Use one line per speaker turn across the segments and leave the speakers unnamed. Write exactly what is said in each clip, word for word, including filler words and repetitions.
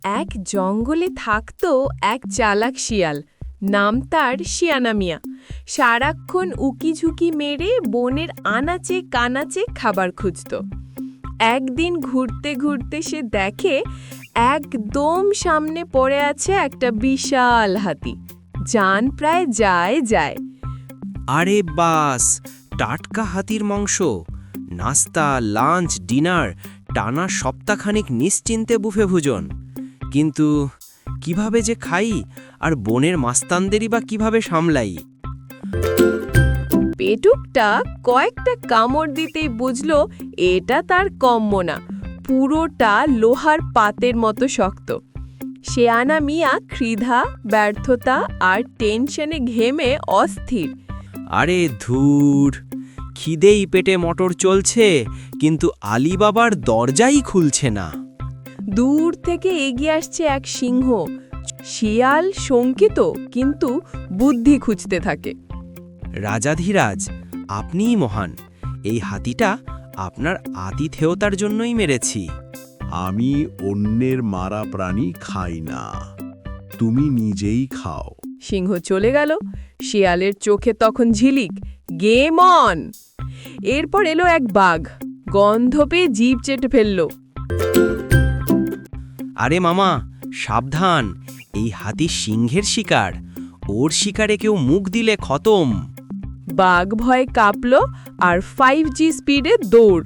এক জঙ্গলে থাকত এক চালাক শিয়াল, নাম তার শিয়ানা মিয়া। সারাক্ষণ উকিঝুঁকি মেরে বনের আনাচে কানাচে খাবার খুঁজত। একদিন ঘুরতে ঘুরতে সে দেখে একদম সামনে পড়ে আছে একটা বিশাল হাতি, জান প্রায় যায় যায়।
আরে বাস, টাটকা হাতির মাংস! নাস্তা, লাঞ্চ, ডিনার, টানা সপ্তাহখানিক নিশ্চিন্তে বুফে ভোজন। কিন্তু কিভাবে যে খাই, আর বনের মাস্তানদেরই বা কিভাবে সামলাই?
পেটুকটা কয়েকটা কামড় দিতেই বুঝল এটা তার কম্য না, পুরোটা লোহার পাতের মতো শক্ত। শিয়ানা মিয়া ক্ষুধা, ব্যর্থতা আর টেনশনে ঘেমে অস্থির।
আরে ধুর, খিদেই পেটে মটর চলছে, কিন্তু আলিবাবার দরজাই খুলছে না।
দূর থেকে এগিয়ে আসছে এক সিংহ। শিয়াল শঙ্কিত, কিন্তু বুদ্ধি খুঁজতে থাকে।
রাজাধিরাজ, আপনিই মহান। এই হাতিটা আপনার আতিথেয়তার জন্যই মেরেছি।
আমি অন্যের মারা প্রাণী খাই না, তুমি নিজেই খাও।
সিংহ চলে গেল। শিয়ালের চোখে তখন ঝিলিক, গেম অন। এরপর এলো এক বাঘ, গন্ধ পেয়ে জিভ চেটে ফেলল।
আরে মামা, সাবধান! এই হাতি সিংহের শিকার। ওর শিকারে কেউ মুখ দিলে খতম।
বাঘ ভয়ে কাঁপল আর ফাইভ জি স্পিডে দৌড়।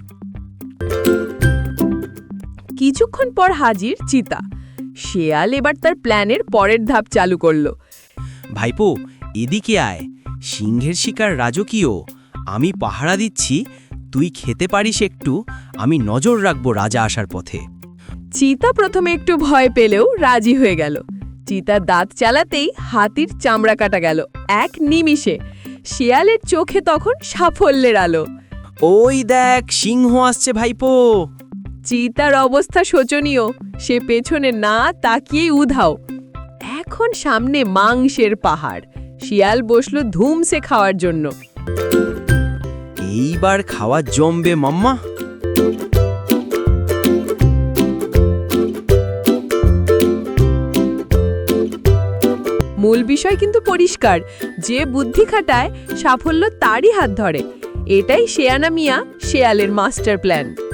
কিছুক্ষণ পর হাজির চিতা। শিয়াল এবার তার প্ল্যানের পরের ধাপ চালু করল।
ভাইপো, এদিকে আয়। সিংহের শিকার রাজকীয়। আমি পাহারা দিচ্ছি, তুই খেতে পারিস একটু। আমি নজর রাখবো রাজা আসার পথে।
চিতা প্রথমে একটু ভয় পেলেও রাজি হয়ে গেল। চিতা দাঁত চালাতেই হাতির চামড়া কাটা গেল এক নিমিষে। শিয়ালের চোখে তখন সাফল্যের আলো।
ওই দেখ, সিংহ আসছে ভাইপো!
চিতার অবস্থা শোচনীয়। সে পেছনে না তাকিয়েই উধাও। এখন সামনে মাংসের পাহাড়। শিয়াল বসল ধুমসে খাওয়ার জন্য।
এইবার খাওয়া জমবে মাম্মা।
মূল বিষয় কিন্তু পরিষ্কার, যে বুদ্ধি খাটায় সাফল্য তারই হাত ধরে। এটাই শিয়ানা মিয়া শেয়ালের মাস্টার প্ল্যান।